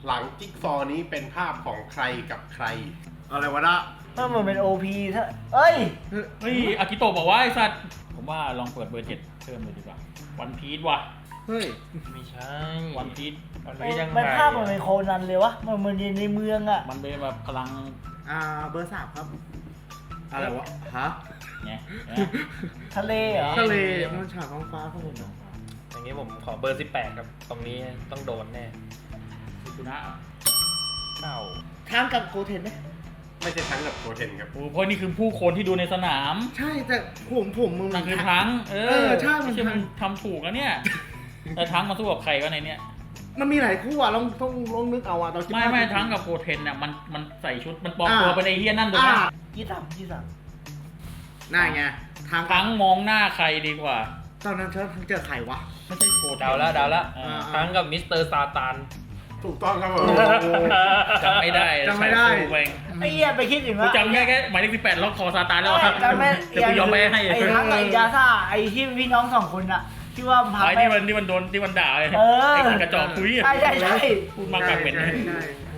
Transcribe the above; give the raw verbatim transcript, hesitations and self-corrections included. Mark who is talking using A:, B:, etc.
A: หลังจิ๊กซอว์นี้เป็นภาพของใครกับใครอะไรวะนะ
B: ถ้ามันเป็น โอ พี ถ้าเอ้ย
C: เฮ้ยอากิโตะบอกว่าไอ้สัตว์ผมว่าลองเปิดเบอร์เจ็ดเพิ่มเลยดีกว่าวันพีชว่ะ
D: เฮ้ย
E: ไม่ใช่
C: วันพีช
E: มันไม่ยังไง
B: มันภาพมันเป็นโคนันเลยวะ มันเหมือนอยู่ในเมืองอะ
C: มันเป็นแบบพลัง
D: อ่าเบอร์สามครับอะไรวะฮะ
C: ไง
B: ทะเลเหรอ
D: ทะเลมันฉากท้องฟ้าครับผม
E: อย่างนี้ผมขอเบอร์สิบแปดครับตรงนี้ต้องโดนแน่
C: คุณนะ
E: เต้า
D: ทางกับโกเทนไหม
A: ไม่ใช่ทั้งกับโกเทนครับ
C: โอ้เพราะนี่คือผู้คนที่ดูในสนาม
D: ใช่แต่ผมผมมึง
C: นั่นคือทั้งเอ
D: เอ
C: อ
D: อใช่มัน
C: ไม่ใช่
D: ทั้
C: มัน
D: ง
C: ทำถูกแล้วเนี่ยแต่ทั้งมาสู้กับใครวะในเนี้ย
D: มันมีหลายคู่อ่ะลองต้องลองนึกเอาอ่ะตอน
C: ไม่ไม่ทั้งกับโกเทนเนี่ยมันมันใส่ชุดมันปลอม
D: อ่า
C: ตัวเป็นไอ้เฮียนั่นถูกไหม
D: อ่า
B: ยี่สามยี่สาม
D: น่าไงทาง
C: ทั้งมองหน้าใครดีกว่า
D: ตอนนั้นเธอเจอใครวะ
C: ไม่ใช่โกเทน
E: เดาแล้วเดาแล้ว
C: อ่า
E: ทั้งกับมิสเตอร์ซาตาน
A: ถูกต้องครับผม
C: จำไม่ได้
D: จำไม่ได้
C: ใช้ฟูแวง
B: ไอ้เหี้ยไปคิดถึง
C: กู
B: ว่า
C: จำแค่แค่หมายเลขสิบแปดล็อกคอซาตานแล้วอะ
B: จำไม่
C: เดี๋ยวกูยอมไปให้
B: ไอ้ทั้งกับไอ้ยาซ่าไอ้ที่พี่น้องสองคนอะที่ว่าพา
C: ไอ้
B: ไป
C: ที่มันที่มันโดนที่มันด่าเลย
B: เออ
C: ไอ้คนกระจอกคุยอะ
B: ใช่ใช่ใช่
C: พูดมากกว่าเป็น
D: ใช่ใช่